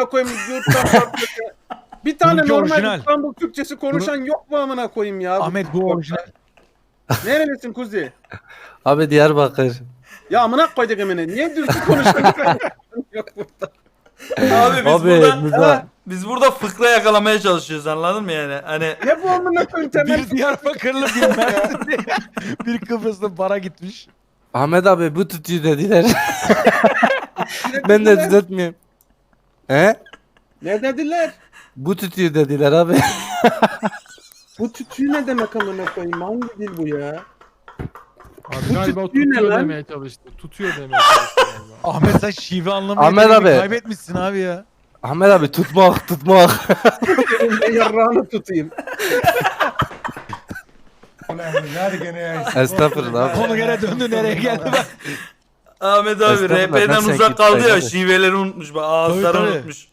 koyayım yurttan farklı. Bir tane Bununki normal orijinal. İstanbul Türkçesi konuşan yok mu amına koyayım ya? Ahmet bu orijinal. Nerelisin kuzi? Abi Diyarbakır. Ya amına koyduk emine. Niye Türkçe konuşuyorsun? Yok burada. Abi biz Abi burada Muza. biz burada fıkra yakalamaya çalışıyoruz, anladın mı yani? Hani Ne bu amına koyayım temel? Bir Diyarbakırlı bir Mersinli. Bir Kıbrıs'ta bara gitmiş. Ahmet abi bu tutuyor dediler. Ben de düzeltmiyorum. He? Ne dediler? Bu tutuyor dediler abi. Bu tütüğü ne demek amına koyayım? Hangi dil bu ya? Abi Bu galiba tütüğü ne tutuyor lan? demeye çalıştı. Tutuyor demeye çalıştı galiba. Ahmet sen şive anlamayı Ahmet deneyimi abi. kaybetmişsin abi ya. Ahmet abi tutmak. Elimde yarrağını tutayım. Hadi gene ya. Estağfurullah abi. Konu gene döndü nereye geldi bak. Ahmet abi Estağfurullah, RP'den nasıl uzak ekip kaldı ya, sayılır? şiveleri unutmuş, bak ağızları Tabii, tabii. unutmuş.